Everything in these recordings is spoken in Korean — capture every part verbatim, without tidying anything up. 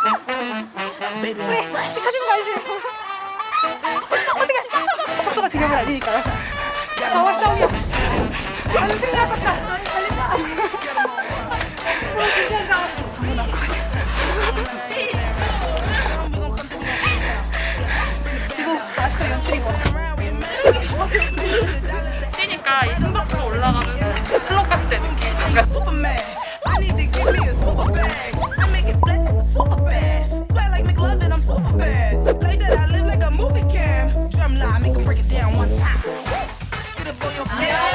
우리 가진 거 알지? 어떻게 속도가 중요한 건 아니니까요. 가와 싸움이야. 나는 승리할 것이다. 아니 달린다. 어, 진짜 싸움. 방금 나올 것 같아. 이거 아직도 연출인 것 같아. 뛰니까 이 심박수가 올라가면서 클럽 갔을 때 느낌. 약간 I need to give me a super bag. I make it splash, it's a super bad. Smell like McLovin, I'm super bad. Like that, I live like a movie cam. Drum line, make 'em break it down one time. Get up on your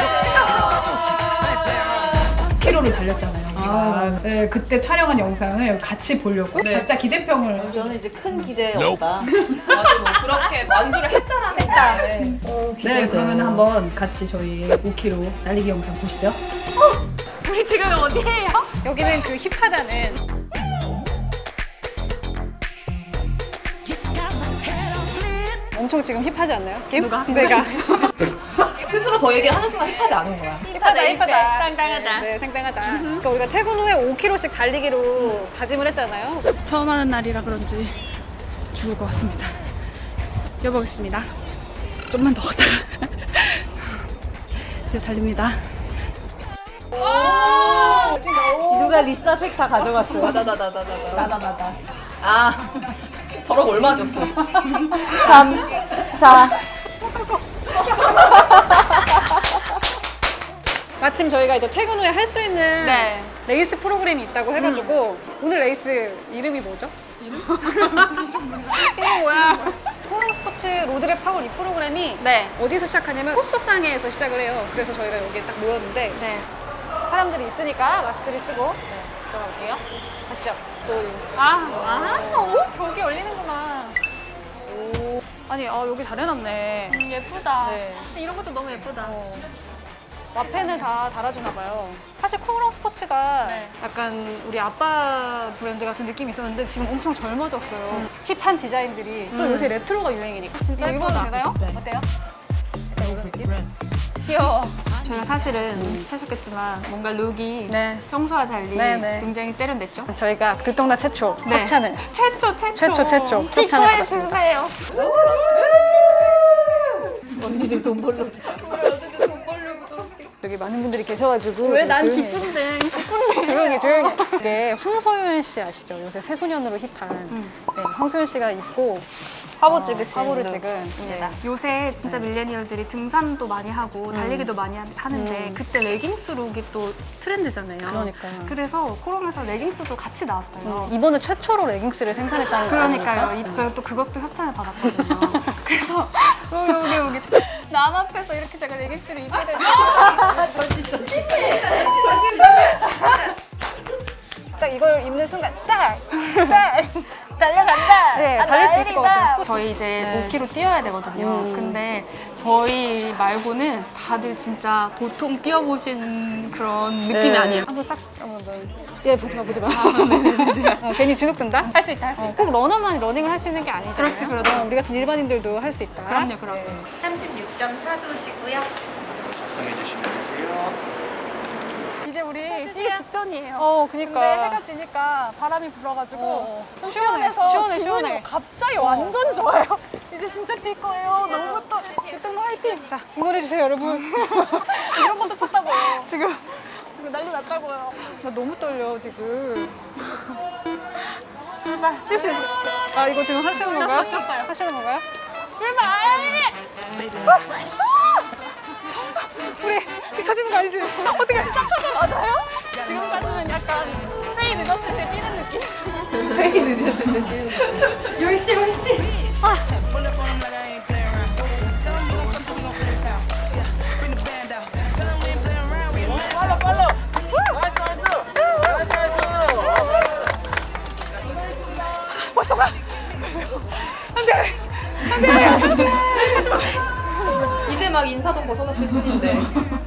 십 킬로미터를 달렸잖아요. 우리가. 네, 그때 촬영한 영상을 같이 보려고 네. 각자 기대평을. 저는 이제 큰 기대 없다. 맞아, 뭐 그렇게 완수를 했다라는 했다. 네. 네, 그러면 한번 같이 저희 오 킬로미터 달리기 영상 보시죠. 우리 지금 어디예요? 여기는 그 힙하다는 엄청 지금 힙하지 않나요? 김? 누가? 내가. 스스로 저에게 하는 순간 힙하지 않은 거야. 힙하다, 힙하다. 상당하다. 네, 상당하다. 그러니까 우리가 퇴근 후에 오 킬로미터씩 달리기로 다짐을 했잖아요. 처음 하는 날이라 그런지 죽을 것 같습니다. 뛰어보겠습니다. 좀만 더 걷다가 이제 달립니다. 누가 리사색 다 가져갔어요. 맞아, 나다, 나다, 나다. 나다 나다. 아, 저러고 얼마 줬어? 삼, 사. 마침 저희가 이제 퇴근 후에 할 수 있는 네. 레이스 프로그램이 있다고 해가지고 오늘 레이스 이름이 뭐죠? 이름? 이름 뭐야? 코너 스포츠 로드랩 사월 이 프로그램이 네. 어디서 시작하냐면 코스상에서 시작을 해요. 그래서 저희가 여기에 딱 모였는데 네. 사람들이 있으니까 마스크를 쓰고 네, 들어갈게요. 가시죠. 또 아, 아, 오, 벽이 열리는구나. 오, 아니 아, 여기 잘 해놨네. 음, 예쁘다. 네. 이런 것도 너무 예쁘다. 어. 와펜을 다 달아주나 봐요. 사실 코오롱 스포츠가 네. 약간 우리 아빠 브랜드 같은 느낌이 있었는데 지금 엄청 젊어졌어요. 힙한 디자인들이 또 요새 레트로가 유행이니까 진짜 입어도 예쁘다. 되나요? 어때요? 귀여워. 저희가 사실은 눈치채셨겠지만 뭔가 룩이 네. 평소와 달리 네, 네. 굉장히 세련됐죠? 저희가 듣동나 최초 네. 협찬을 최초, 최초. 최초, 최초. 협찬을 기뻐해 받았습니다. 주세요. 언니들 돈 벌러. 여기 많은 분들이 계셔가지고 왜 난 조용히 기쁜데? 조용히 조용히. 이게 황소윤 씨 아시죠? 요새 새소년으로 힙한 네, 황소윤 씨가 입고 화보 찍으신 화보를 룩. 찍은 네. 요새 진짜 밀레니얼들이 등산도 많이 하고 달리기도 많이 하- 하는데 음. 그때 레깅스 룩이 또 트렌드잖아요. 그러니까요. 그래서 코롱에서 레깅스도 같이 나왔어요. 이번에 최초로 레깅스를 생산했다는 거 그러니까요. 아닙니까? 이- 저희가 또 그것도 협찬을 받았거든요. 그래서 여기 여기 여기 남 앞에서 이렇게 제가 레깅스를 입게 되면 저시 저시. 딱 이걸 입는 순간 딱! 딱! 달려간다. 네, 달릴 수 있을 것 같아요. 저희 이제 네. 오 킬로미터 뛰어야 되거든요. 음. 근데 저희 말고는 다들 진짜 보통 뛰어보신 그런 느낌이 네. 아니에요. 한번 싹 한번 더. 얘 보지 마, 보지 마. 어, 괜히 주눅 든다? 할 수 있다, 할 수 어, 있다. 꼭 러너만 러닝을 할 수 있는 게 아니잖아요. 그렇지, 그렇지. 어, 우리 같은 일반인들도 할 수 있다. 그럼요, 그럼요. 삼십육 점 사 도시고요. 이제 우리 뛰기 직전이에요. 어, 근데 그니까. 해가 지니까 바람이 불어가지고 어, 좀 시원해, 시원해서 시원해, 기분이 시원해. 갑자기 완전 좋아요. 이제 진짜 뛸 거예요. 너무 좋다. 주등로 화이팅. 자, 응원해주세요, 여러분. 이런 것도 쳤다고요. 지금 지금 난리 났다고요. 나 너무 떨려, 지금. 출발. 뛸 수 있어. 아, 이거 지금 하시는 건가요? 꼈어요. 하시는 건가요? 출발! 우리 쳐지는 거 아니지? 어떻게 맞아요? 지금까지는 약간 회의 늦었을 때 뛰는 느낌? 회의 늦었을 때 뛰는 거. 열시 열시. Pull up on 'em like I ain't playing around. Tell 'em we gon' come through, we gon' fit this out. Yeah, bring the band out. Tell 'em we ain't playing around, we ain't 빨라 빨라 나이스 나이스 나이스 나이스 벌써 가. 이제 막 인사동 벗어났을 뿐인데.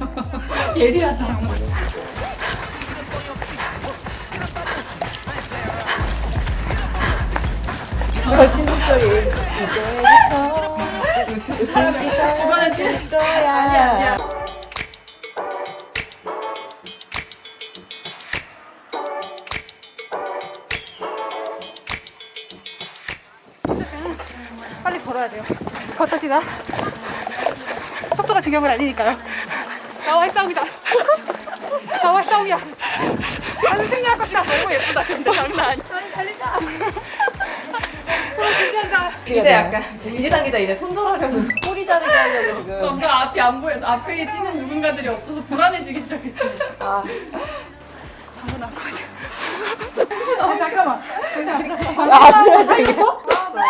멋진 목소리. 이제부터 웃음기 사라질 거야. 싸워야 돼요. 걷다 뛰다. 속도가 중요한 건 아니니까요. 나와의 싸움이다. 나와의 싸움이야. 나는 승리할 것이다. 너무 예쁘다. 근데 장난 아니야. 아니 달린다. 진지한다. 이제 약간 이지상 기자 이제 손절하려는. 꼬리 자르게 하려고 지금. 점점 앞이 안 보여서 앞에 뛰는 누군가들이 없어서 불안해지기 시작했습니다. 아, 방금 나올 것 같아. 아 잠깐만. 아, 쓰러져 이거?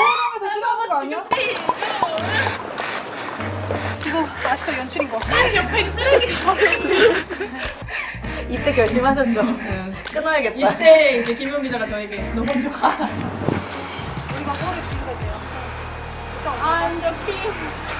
이거 아직도 연출인 거. 이때 결심하셨죠? 끊어야겠다. 이때 이제 김용 기자가 저에게 너 먼저 가. 우리가 골을 주인공이에요. I'm the king.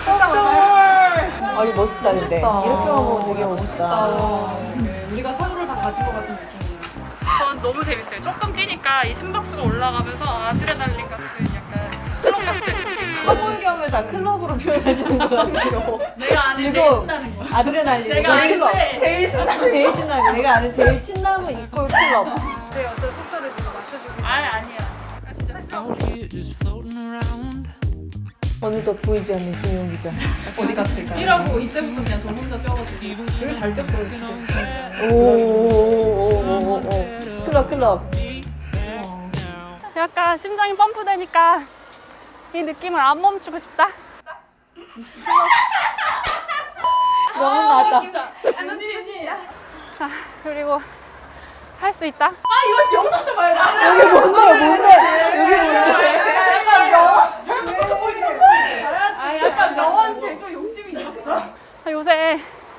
아, 이거 멋있다, 근데. 이렇게 하면 되게 멋있다. 우리가 서울을 다 가진 것 같은 느낌이에요. 전 너무 재밌어요. 조금 뛰니까 이 심박수가 올라가면서 아드레날린 같은 약간 클럽 같은 허물경을 다 클럽으로 표현하시는 것 같아요. 내가 아는 제일 즐거움, 신나는 거. 아드레날린, 내가 이거 아는 클럽. 제일, 제일 신나는 제일 신나는, 내가 아는 제일 신남은 이퀄 클럽. 내 어떤 속도를 지금 맞춰주고. 아니 아니야. 아, 진짜 out here just floating around. 어느덧 보이지 않는 김용 기자. 어디 갔을까요? 뛰라고 이때부터 그냥 저 혼자 뛰어가지고. 되게 잘 뛰었어요, 진짜. 오오오오오. 클럽, 클럽. 약간 심장이 펌프되니까 이 느낌을 안 멈추고 싶다. 너무 나왔다. 자 그리고 할 수 있다. 여기 뭔데, 뭔데? 여기 뭔데? 아 약간 너한테 좀 욕심이 있었어. 아, 요새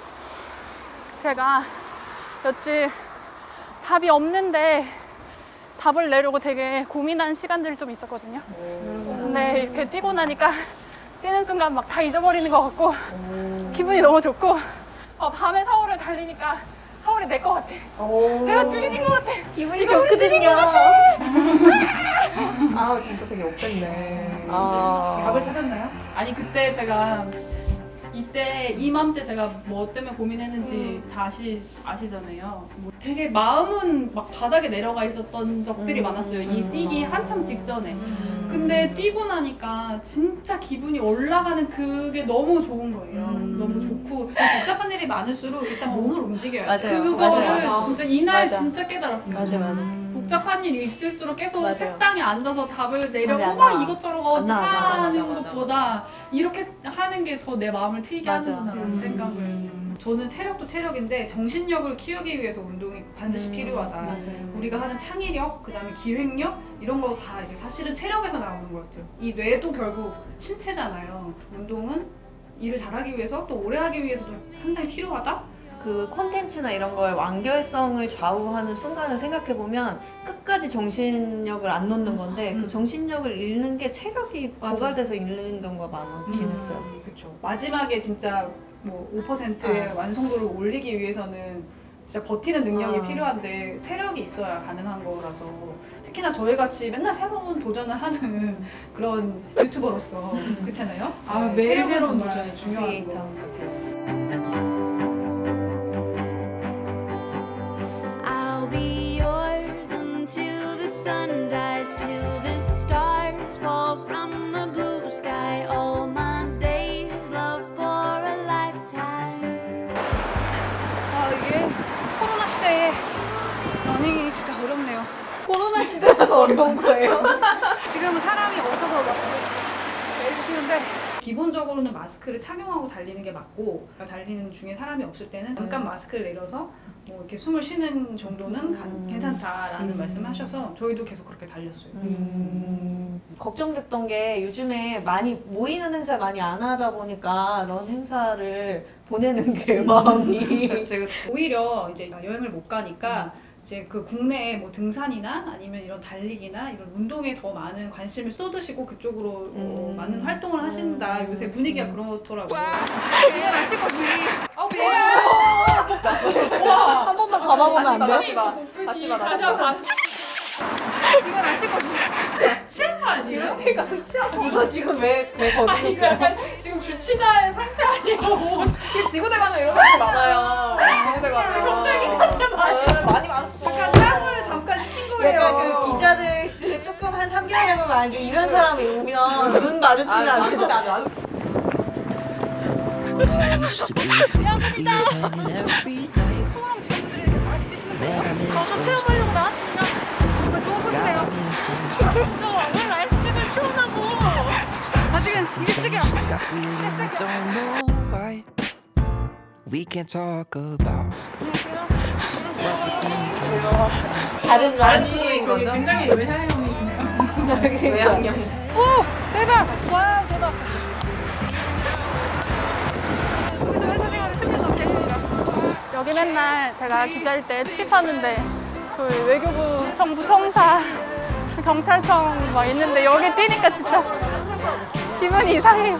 제가 며칠 답이 없는데 답을 내려고 되게 고민하는 시간들이 좀 있었거든요. 근데 이렇게 뛰고 나니까 뛰는 순간 막 다 잊어버리는 것 같고 기분이 너무 좋고 어, 밤에 서울을 달리니까 서울이 내 것 같아. 내가 주인인 것 같아. 기분이 좋거든요. 아, 진짜 되게 업됐네. 아. 답을 찾았나요? 아니 그때 제가 이때 이맘때 제가 뭐 때문에 고민했는지 다시 아시잖아요. 뭐 되게 마음은 막 바닥에 내려가 있었던 적들이 많았어요. 이 뛰기 한참 직전에. 근데 뛰고 나니까 진짜 기분이 올라가는 그게 너무 좋은 거예요. 너무 좋고 복잡한 일이 많을수록 일단 몸을 움직여야 돼. 맞아요. 그거를 맞아요, 맞아요. 진짜 이날 맞아. 진짜 깨달았어요. 맞아, 맞아. 복잡한 일이 있을수록 계속 맞아요. 책상에 앉아서 답을 내려고 답이 안 막 나와. 이것저것 안 나와. 맞아, 하는 맞아, 맞아, 것보다 이렇게 하는 게 더 내 마음을 트이게 맞아. 하는구나라는 생각을. 저는 체력도 체력인데 정신력을 키우기 위해서 운동이 반드시 필요하다. 맞아요. 우리가 하는 창의력, 그다음에 기획력 이런 거 다 이제 사실은 체력에서 나오는 것 같아요. 이 뇌도 결국 신체잖아요. 운동은 일을 잘하기 위해서 또 오래 하기 위해서도 상당히 필요하다. 그 콘텐츠나 이런 거에 완결성을 좌우하는 순간을 생각해보면 끝까지 정신력을 안 놓는 건데 그 정신력을 잃는 게 체력이 맞아. 고갈돼서 잃는 경우가 많긴 했어요. 그렇죠. 마지막에 진짜 뭐 오 퍼센트의 어. 완성도를 올리기 위해서는 진짜 버티는 능력이 어. 필요한데 체력이 있어야 가능한 거라서 특히나 저희 같이 맨날 새로운 도전을 하는 그런 유튜버로서 그렇잖아요. 아, 매일 새로운 도전이 중요한 것 같아요. I'll be yours until the sun dies, till the stars fall from the blue sky. All my days, love for a lifetime. 아 이게 코로나 시대에 러닝이 진짜 어렵네요. 코로나 시대라서 어려운 거예요. 지금은 사람이 없어서 막 매일 뛰는데 기본적으로는 마스크를 착용하고 달리는 게 맞고 달리는 중에 사람이 없을 때는 잠깐 마스크를 내려서 뭐 이렇게 숨을 쉬는 정도는 가, 괜찮다라는 음. 말씀하셔서 저희도 계속 그렇게 달렸어요. 음, 걱정됐던 게 요즘에 많이 모이는 행사 많이 안 하다 보니까 런 행사를 보내는 게 마음이 그렇지, 그렇지. 오히려 이제 여행을 못 가니까 이제 그 국내에 뭐 등산이나 아니면 이런 달리기나 이런 운동에 더 많은 관심을 쏟으시고 그쪽으로 어, 음. 많은 활동을 하신다. 음. 요새 분위기가 그렇더라고요. 한 번만 감아보면 안 돼요? 다시 봐, 다시 봐, 다시 봐. 이건 안 쓸 거지. 아니에요? 이거 지금 왜, 왜 이거 거두셨어요? 약간 지금 주치자의 상태 아니에요? 지구대 가면 이런 사람이 많아요. 지구대 가면. 갑자기 상태 많이 네, 많이 많았어. 잠깐 땀을 잠깐 식힌 거예요. 약간 그 기자들 그 조금 한 삼 개월 해보면 만약에 이런 사람이 오면 눈 마주치면 안 되죠. Used to be close, we was hugging every night. 호랑 친구들이 같이 드시는 거예요? 저도 체험하려고 나왔습니다. 도와보세요. 저 오늘 날씨도 시원하고 아직은 일찍이야. Got really don't know why. We can't talk about what we think. 다른 라인 저기 거죠? 굉장히 외향형이시네요. 외향형. 오 대박. 와 대박. 여기서 회사 생활을 십 년 넘게 했습니다. 여기 맨날 제가 기자일 때 출입하는데 그 외교부 정부 청사 경찰청 막 있는데 여기 뛰니까 진짜 기분이 이상해요.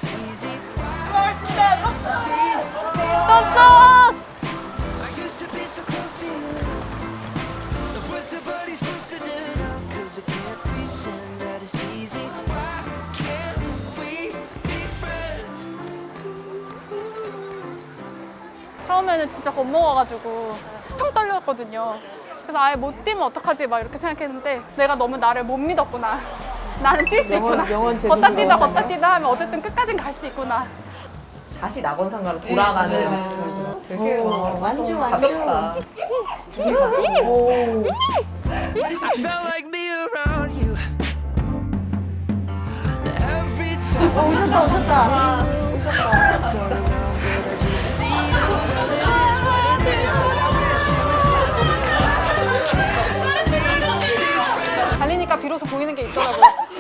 썩썩! I used to be so close to you. What's somebody supposed to do? Cause I can't pretend that it's easy. Why can't we be friends? 처음에는 진짜 겁먹어가지고 통 떨렸거든요. 그래서 아예 못 뛰면 어떡하지 막 이렇게 생각했는데 내가 너무 나를 못 믿었구나. 나는 뛸 수 영원- 있구나. 영원 제주도 걷다 뛰다 영원상가. 걷다 뛰다 하면 어쨌든 끝까진 갈 수 있구나. 다시 낙원상가로 돌아가는 네, 그 되게 오, 어, 완주 완주. 가볍다. 오. Felt like me around you. Every time 어, 오셨다 오셨다. 오셨다. it's all around, but I just see you. It is what it is, but I wish it was time. 달리니까 비로소 보이는 게 있더라고요.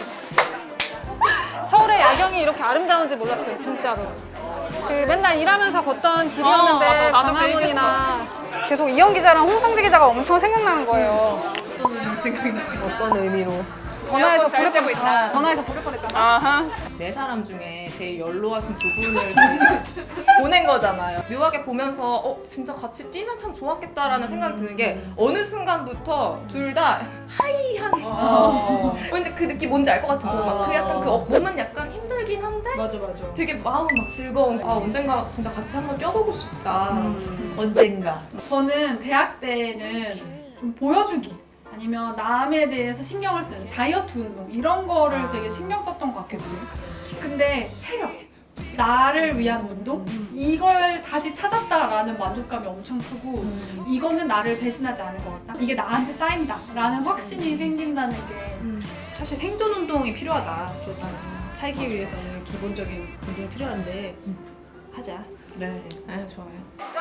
서울의 야경이 이렇게 아름다운지 몰랐어요, 진짜로. 그 맨날 일하면서 걷던 길이었는데 어, 맞아. 나도 그 광화문이나 계속 이영 기자랑 홍성재 기자가 엄청 생각나는 거예요. 어떤 의미로? 전화해서 부를 뻔 있다. 전화해서 부를 뻔했잖아. 아하. 네 사람 중에 제일 연로하신 두 분을 저희가 보낸 거잖아요. 묘하게 보면서 어 진짜 같이 뛰면 참 좋았겠다라는 생각이 드는 게 어느 순간부터 둘 다 하이한 어. 왠지 그 느낌 뭔지 알 것 같은 거 막 그 약간 그 어, 몸은 약간 힘들긴 한데 맞아 맞아. 되게 마음은 막 즐거운 아 언젠가 진짜 같이 한번 뛰어보고 싶다. 언젠가. 저는 대학 때는 좀 보여주기 아니면 남에 대해서 신경을 쓰는 다이어트 운동 이런 거를 되게 신경 썼던 것 같겠지. 근데 체력, 나를 위한 운동 이걸 다시 찾았다라는 만족감이 엄청 크고 이거는 나를 배신하지 않을 것 같다. 이게 나한테 쌓인다라는 확신이 생긴다는 게 사실 생존 운동이 필요하다. 살기 위해서는 기본적인 운동이 필요한데 하자. 네. 아 좋아요.